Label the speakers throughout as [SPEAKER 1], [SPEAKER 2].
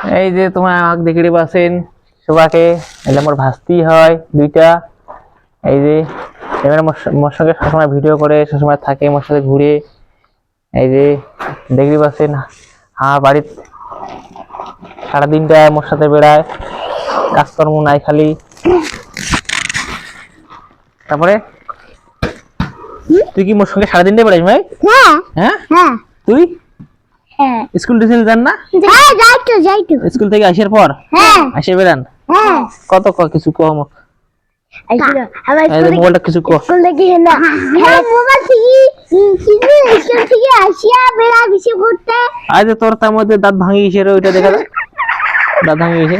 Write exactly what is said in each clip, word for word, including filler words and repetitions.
[SPEAKER 1] এই যে তোমার আমাকে দেখে পাচ্ছেন সবাকে, এলে আমার ভাস্তি হয় দুইটা। এই যে এবার মোর সঙ্গে সবসময় ভিডিও করে, সবসময় থাকে মোর সাথে ঘুরে। এই যে দেখতে পাচ্ছেন আমার বাড়ির সারাদিনটা মোর সাথে বেড়ায়, কাজকর্ম নাই খালি। তারপরে তুই কি মোর সঙ্গে সারাদিনটা বেড়াইস ভাই?
[SPEAKER 2] হ্যাঁ
[SPEAKER 1] হ্যাঁ
[SPEAKER 2] হ্যাঁ
[SPEAKER 1] তুই
[SPEAKER 2] হ্যাঁ
[SPEAKER 1] স্কুল টিউশন যান না?
[SPEAKER 2] হ্যাঁ যাই তো যাই তো
[SPEAKER 1] স্কুল থেকে আসার পর
[SPEAKER 2] হ্যাঁ
[SPEAKER 1] আসে বেড়ান?
[SPEAKER 2] হ্যাঁ
[SPEAKER 1] কত ক কিছু কম
[SPEAKER 2] আইছিলো আমার
[SPEAKER 1] এই যে মোবাইলটা কিছু কো।
[SPEAKER 2] স্কুল থেকে না হ্যাঁ মোবাইল থেকে কিন্তু স্কুল থেকে আসিয়া বেড়া বেশি ঘুরতে।
[SPEAKER 1] আজ তোর তার মধ্যে দাঁত ভাঙি গেছে রে, ওইটা দেখা যায় দাঁত ভাঙি গেছে।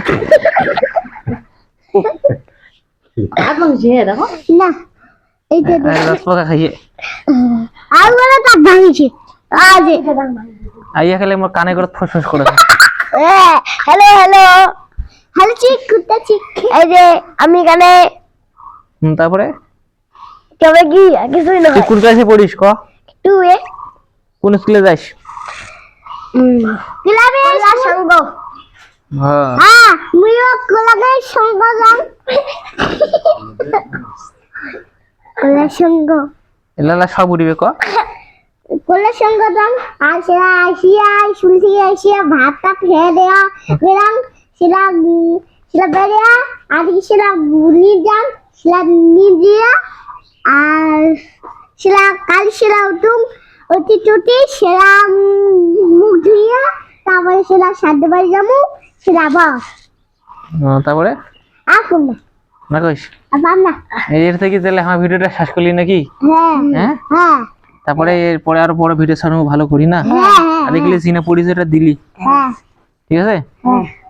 [SPEAKER 2] এখন যে দেখো না এইটা
[SPEAKER 1] রস পাকা খাইয়ে
[SPEAKER 2] আর বলে দাঁত ভাঙিছে আজ
[SPEAKER 1] আইয়া খেলে মোর কানে করে ফসফস করে।
[SPEAKER 2] হ্যালো হ্যালো হ্যালো চিক কুত্তা চিক। এই যে আমি এখানে
[SPEAKER 1] হুম তারপরে
[SPEAKER 2] তবে কি কিছুই না
[SPEAKER 1] তুই কোন ক্লাসে পড়িস ক?
[SPEAKER 2] টু এ
[SPEAKER 1] কোন স্কুলে যাস?
[SPEAKER 2] ক্লাবে সঙ্গ।
[SPEAKER 1] হ্যাঁ
[SPEAKER 2] হ্যাঁ মুইও ক্লাবে সঙ্গ যাম। ক্লাবে সঙ্গ
[SPEAKER 1] এলালা সব উড়িবে ক।
[SPEAKER 2] ক্লাবে সঙ্গ যাম আর সেরা আসিয়া স্কুল থেকে আসিয়া ভাত টাত খেয়ে দেয়া বেরাম সেরা সেরা বেরিয়া আর সেরা নিয়ে যান সেরা নিয়ে দিয়া আর সেরা কাল সেরা উঠুম অতি টুটি সেরা মুখ ধুইয়া তারপরে সেরা সাধ্য বাড়ি যাবো সেরা বাস
[SPEAKER 1] হ্যাঁ, তারপরে
[SPEAKER 2] আসুন না
[SPEAKER 1] না কইস
[SPEAKER 2] আবার না।
[SPEAKER 1] এই এর থেকে তাহলে আমার ভিডিওটা শেষ করলি নাকি?
[SPEAKER 2] হ্যাঁ
[SPEAKER 1] হ্যাঁ
[SPEAKER 2] হ্যাঁ
[SPEAKER 1] তারপরে এরপরে আরো বড় ভিডিও ছাড়বো, ভালো করি না?
[SPEAKER 2] হ্যাঁ
[SPEAKER 1] আর দেখলে সিনা পরিচয়টা দিলি,
[SPEAKER 2] হ্যাঁ
[SPEAKER 1] ঠিক আছে?
[SPEAKER 2] হ্যাঁ